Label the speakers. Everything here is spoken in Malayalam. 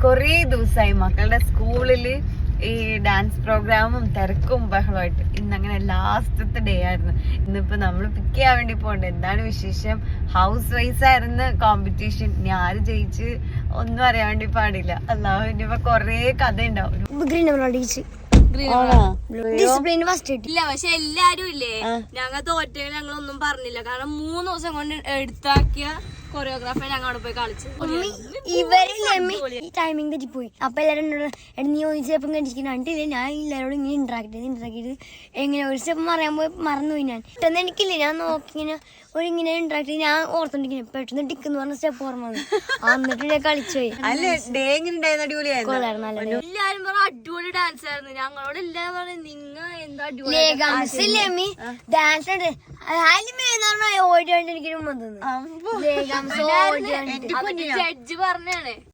Speaker 1: കൊറേ ദിവസമായി മക്കളുടെ സ്കൂളില് ഈ ഡാൻസ് പ്രോഗ്രാമും തിരക്കും ബഹളമായിട്ട്. ഇന്നങ്ങനെ ലാസ്റ്റത്തെ ഡേ ആയിരുന്നു. ഇന്നിപ്പോ നമ്മൾ പിക്ക് ചെയ്യാൻ വേണ്ടി പോകണ്ട. എന്താണ് വിശേഷം? ഹൗസ് വൈസ് ആയിരുന്നു കോമ്പറ്റീഷൻ. ഇനി ആര് ജയിച്ച് ഒന്നും അറിയാൻ വേണ്ടി പാടില്ല. അല്ലാഹു ഇനിയിപ്പോ കൊറേ കഥ ഉണ്ടാവും.
Speaker 2: ഇല്ല പക്ഷെ എല്ലാരും ഇല്ലേ ഞങ്ങൾ തോറ്റ ഞങ്ങളൊന്നും പറഞ്ഞില്ല. കാരണം 3 ദിവസം കൊണ്ട് എടുത്താക്കിയ കൊറിയോഗ്രാഫി ഞങ്ങൾ അവിടെ പോയി കളിച്ചു.
Speaker 3: ടൈമിംഗ് തെറ്റിപ്പോയി. അപ്പൊ എല്ലാരും നീ ഒരു സ്റ്റെപ്പും കണ്ടിരിക്കുന്നില്ല. ഞാൻ എല്ലാവരോടും ഇങ്ങനെ ഇന്ററാക്ട് എങ്ങനെ ഒരു സ്റ്റെപ്പ് മറിയാൻ പോയി മറന്നുപോയി. ഞാൻ പെട്ടെന്ന് എനിക്കില്ലേ, ഞാൻ നോക്കി ഇങ്ങനെ ഇങ്ങനെ ഇന്ററാക്ട് ചെയ്ത് ഞാൻ ഓർത്തോണ്ടിരിക്കുന്നു. പെട്ടെന്ന് ടിക്കെന്ന് പറഞ്ഞ സ്റ്റെപ്പ് ഓർമ്മ വന്നു. എന്നിട്ട് ഞാൻ കളിച്ചുപോയി.
Speaker 2: എല്ലാരും പറഞ്ഞ അടിപൊളി ഡാൻസ് ആയിരുന്നു. ഞങ്ങളോട് എല്ലാരും പറഞ്ഞു നിങ്ങൾ എന്താ അടിപൊളി
Speaker 3: ഡാൻസ് ഉണ്ട്. ഓടിയോണ്ട് എനിക്കൊരു വന്നു.
Speaker 2: ജഡ്ജ് പറഞ്ഞാണ്